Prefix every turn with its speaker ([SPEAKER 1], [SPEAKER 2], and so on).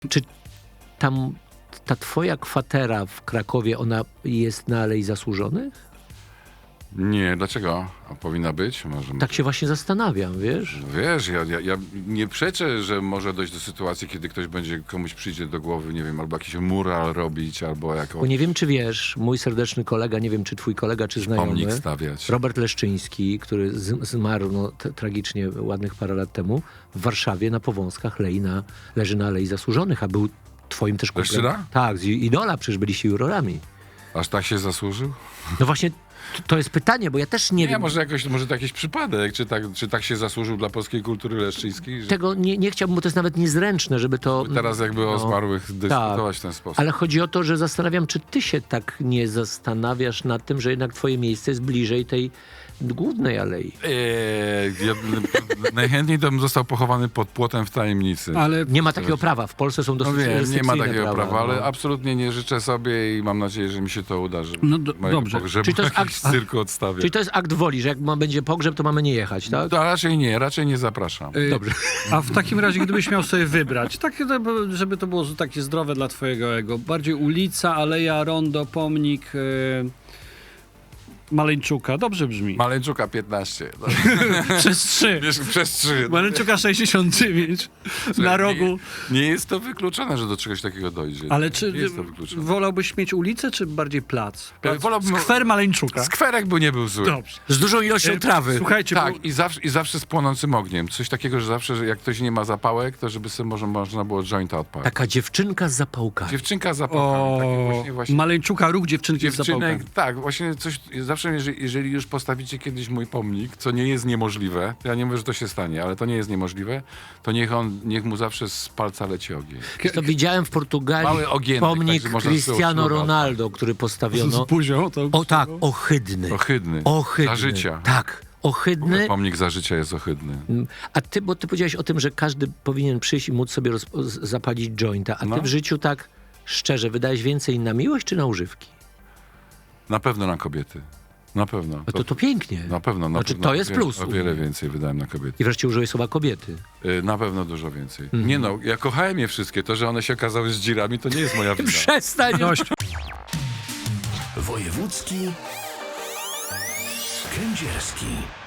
[SPEAKER 1] Czy tam ta twoja kwatera w Krakowie, ona jest na Alei Zasłużonych?
[SPEAKER 2] Nie, dlaczego? A powinna być? Może.
[SPEAKER 1] Tak się właśnie zastanawiam, wiesz?
[SPEAKER 2] Wiesz, ja nie przeczę, że może dojść do sytuacji, kiedy ktoś będzie, komuś przyjdzie do głowy, nie wiem, albo jakiś mural robić, albo
[SPEAKER 1] Bo nie wiem, czy wiesz, mój serdeczny kolega, nie wiem, czy twój kolega, czy znajomy,
[SPEAKER 2] pomnik stawiać.
[SPEAKER 1] Robert Leszczyński, który zmarł tragicznie ładnych parę lat temu, w Warszawie na Powązkach leży na Alei Zasłużonych, a był twoim też kumplem.
[SPEAKER 2] Leszczyna?
[SPEAKER 1] Tak, z Idola, przecież byliście jurorami.
[SPEAKER 2] Aż tak się zasłużył?
[SPEAKER 1] No właśnie, to jest pytanie, bo ja też nie wiem.
[SPEAKER 2] Może to jakiś przypadek, czy tak się zasłużył dla polskiej kultury leszczyńskiej? Że
[SPEAKER 1] Tego nie chciałbym, bo to jest nawet niezręczne, żeby to...
[SPEAKER 2] teraz jakby o zmarłych dyskutować w ten sposób.
[SPEAKER 1] Ale chodzi o to, że zastanawiam, czy ty się tak nie zastanawiasz nad tym, że jednak twoje miejsce jest bliżej tej głównej alei.
[SPEAKER 2] Ja najchętniej to bym został pochowany pod płotem w tajemnicy.
[SPEAKER 3] Ale
[SPEAKER 1] Nie ma takiego prawa. W Polsce są dosyć
[SPEAKER 2] No wiem, nie ma
[SPEAKER 1] restrykcyjne
[SPEAKER 2] takiego prawa, ale
[SPEAKER 1] no.
[SPEAKER 2] absolutnie nie życzę sobie i mam nadzieję, że mi się to uda, że
[SPEAKER 3] No dobrze.
[SPEAKER 2] pogrzebu
[SPEAKER 1] Czyli to jest
[SPEAKER 2] jakiś cyrku odstawię.
[SPEAKER 1] Czyli to jest akt woli, że jak będzie pogrzeb, to mamy nie jechać, tak?
[SPEAKER 2] To raczej nie zapraszam.
[SPEAKER 1] Dobrze.
[SPEAKER 3] A w takim razie, gdybyś miał sobie wybrać, takie, żeby to było takie zdrowe dla twojego ego, bardziej ulica, aleja, rondo, pomnik Maleńczuka, dobrze brzmi.
[SPEAKER 2] Maleńczuka 15. No.
[SPEAKER 3] Przez 3.
[SPEAKER 2] Wiesz, przez 3.
[SPEAKER 3] Maleńczuka 69 na rogu.
[SPEAKER 2] Nie jest to wykluczone, że do czegoś takiego dojdzie.
[SPEAKER 3] Ale
[SPEAKER 2] nie
[SPEAKER 3] czy
[SPEAKER 2] jest to wykluczone.
[SPEAKER 3] wolałbyś mieć ulicę, czy bardziej plac?
[SPEAKER 2] Wolałbym-
[SPEAKER 3] Skwer Maleńczuka.
[SPEAKER 2] Skwerek by nie był zły.
[SPEAKER 3] Dobrze.
[SPEAKER 1] Z dużą ilością trawy.
[SPEAKER 3] Słuchajcie,
[SPEAKER 2] Tak,
[SPEAKER 3] bo
[SPEAKER 2] i zawsze z płonącym ogniem. Coś takiego, że zawsze, że jak ktoś nie ma zapałek, to żeby sobie można było jointa odpalić.
[SPEAKER 1] Taka dziewczynka z zapałkami.
[SPEAKER 2] Dziewczynka z zapałkami. Takie właśnie
[SPEAKER 3] Maleńczuka, ruch dziewczynki z zapałkami.
[SPEAKER 2] dziewczynek, tak, właśnie coś, zawsze jeżeli już postawicie kiedyś mój pomnik, co nie jest niemożliwe, ja nie mówię, że to się stanie, ale to nie jest niemożliwe, to niech mu zawsze z palca leci ogień.
[SPEAKER 1] To widziałem w Portugalii
[SPEAKER 2] Mały ogienek,
[SPEAKER 1] pomnik
[SPEAKER 2] także można
[SPEAKER 1] Cristiano
[SPEAKER 2] sobie
[SPEAKER 1] Ronaldo, który postawiono.
[SPEAKER 3] Z buzią to...
[SPEAKER 1] O tak, ohydny.
[SPEAKER 2] Ohydny.
[SPEAKER 1] Ohydny.
[SPEAKER 2] Za życia.
[SPEAKER 1] Tak, ohydny.
[SPEAKER 2] Pomnik za życia jest ohydny.
[SPEAKER 1] A ty, bo ty powiedziałeś o tym, że każdy powinien przyjść i móc sobie zapalić jointa, a ty
[SPEAKER 2] No.
[SPEAKER 1] w życiu tak szczerze wydałeś więcej na miłość czy na używki?
[SPEAKER 2] Na pewno na kobiety. Na pewno.
[SPEAKER 1] No to pięknie.
[SPEAKER 2] Na pewno.
[SPEAKER 1] Znaczy, to jest plus
[SPEAKER 2] O
[SPEAKER 1] u
[SPEAKER 2] wiele
[SPEAKER 1] mnie.
[SPEAKER 2] więcej wydałem na kobiety.
[SPEAKER 1] I wreszcie użyłeś słowa kobiety.
[SPEAKER 2] Na pewno dużo więcej. Nie no, ja kochałem je wszystkie. To, że one się okazały z dzirami, to nie jest moja wina.
[SPEAKER 1] Przestań!
[SPEAKER 3] Dość.
[SPEAKER 4] Wojewódzki Kędzierski.